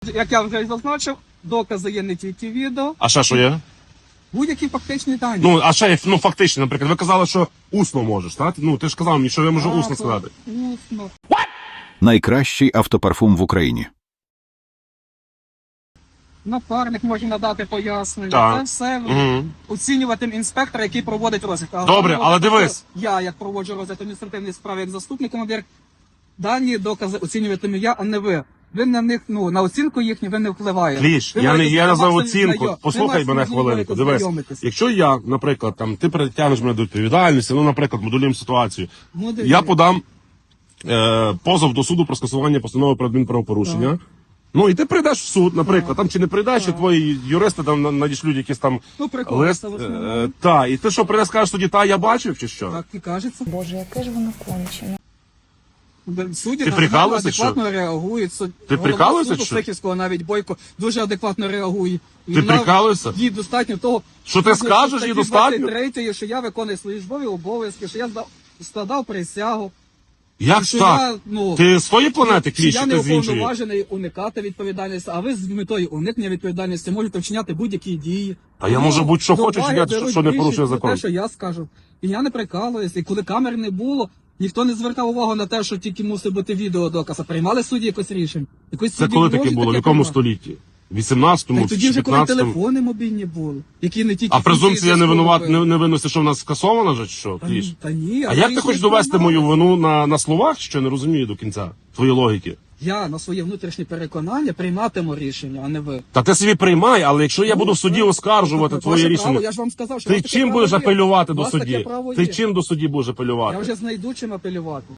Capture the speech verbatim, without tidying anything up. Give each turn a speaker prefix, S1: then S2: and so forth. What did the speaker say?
S1: Як я вже зазначив, докази є не тільки відео,
S2: А ще що є?
S1: будь-які фактичні дані.
S2: Ну, а ще є, ну, фактично, наприклад, ви казали, що усно можеш, так? Ну, ти ж казав мені, що я можу усно сказати.
S1: Усно.
S3: Найкращий автопарфум в Україні.
S1: Напарник може надати пояснення.
S2: Так.
S1: Це все
S2: Угу.
S1: оцінюватиме інспектор, який проводить розгляд. А
S2: Добре,
S1: головне,
S2: але дивись.
S1: Я, як проводжу розгляд адміністративної справи як заступник командир, дані докази оцінюватиму я, а не ви. Ви на них, ну, на оцінку їхню ви не впливаєте.
S2: Кліш,
S1: Ви
S2: я не
S1: маєте
S2: я за
S1: максимум
S2: оцінку.
S1: знайом-
S2: Послухай
S1: ви
S2: мене
S1: максимум
S2: хвилинку.
S1: можете
S2: Дивись,
S1: знайомитись.
S2: якщо я, наприклад, там ти притягнеш мене до відповідальності, ну, наприклад, моделюємо ситуацію.
S1: Ну, дивіться.
S2: Я подам е, позов до суду про скасування постанови про адмінправопорушення. Ну і ти прийдеш в суд, наприклад, там чи не прийдеш, чи твої юристи там на- надішлють якісь там
S1: Ну, прикол,
S2: лист.
S1: це в
S2: Е,
S1: основному.
S2: та, і ти що прийдеш, скажеш тоді, та я бачив, чи що?
S1: Так і кажеться.
S4: Боже, яке ж воно кончене.
S1: Судді
S2: Ти
S1: на-
S2: прикалуєшся,
S1: адекватно реагують. Суд-
S2: Ти
S1: голова
S2: прикалуєшся,
S1: суду
S2: що?
S1: Сихівського навіть Бойко дуже адекватно реагує. І
S2: Ти
S1: вона-
S2: прикалуєшся?
S1: Їй достатньо того,
S2: Що ти скажеш, їй достатньо?
S1: Третє, що я виконую свої службові обов'язки, що я здав, складав присягу.
S2: Як
S1: що
S2: так?
S1: я, ну,
S2: Ти з тої планети,
S1: що
S2: Кліш,
S1: я
S2: чи
S1: не
S2: ти з іншої?
S1: уповноважений уникати відповідальності, а ви з метою уникнення відповідальності можете вчиняти будь-які дії.
S2: Та я
S1: Ну,
S2: можу будь-що
S1: до
S2: хочу
S1: уваги
S2: вчиняти,
S1: беруть
S2: що не порушує
S1: більшість за
S2: закон.
S1: Те, що я скажу. І я не прикалуюся. І коли камер не було, ніхто не звертав увагу на те, що тільки мусить бути відеодоказ. А приймали судді якось рішення. Якось
S2: Це
S1: судді
S2: коли таке
S1: можуть
S2: було? В
S1: таке
S2: якому
S1: приймати.
S2: столітті? В вісімнадцятому,
S1: Так тоді вже коли
S2: п'ятнадцятому?
S1: телефони мобільні були, які не тільки
S2: А презумпція не винуват, не,
S1: не
S2: не виносить, що в нас скасована вже, чи що,
S1: та,
S2: Кліш?
S1: ні, та ні,
S2: А
S1: я
S2: як ти
S1: їх
S2: хочеш
S1: не
S2: довести
S1: знаю.
S2: мою вину на, на словах, що не розумію до кінця твої логіки?
S1: Я на своє внутрішнє переконання прийматиму рішення, а не ви.
S2: Та ти собі приймай, але якщо я
S1: Ну,
S2: буду в суді
S1: це-
S2: оскаржувати
S1: це
S2: твоє
S1: ваше
S2: рішення,
S1: право, я ж вам сказав, що у
S2: ти
S1: вас таке
S2: чим
S1: право
S2: будеш
S1: є.
S2: апелювати
S1: У
S2: до
S1: вас таке
S2: судді?
S1: право
S2: Ти
S1: є.
S2: чим до судді будеш апелювати?
S1: Я вже знайду чим апелювати.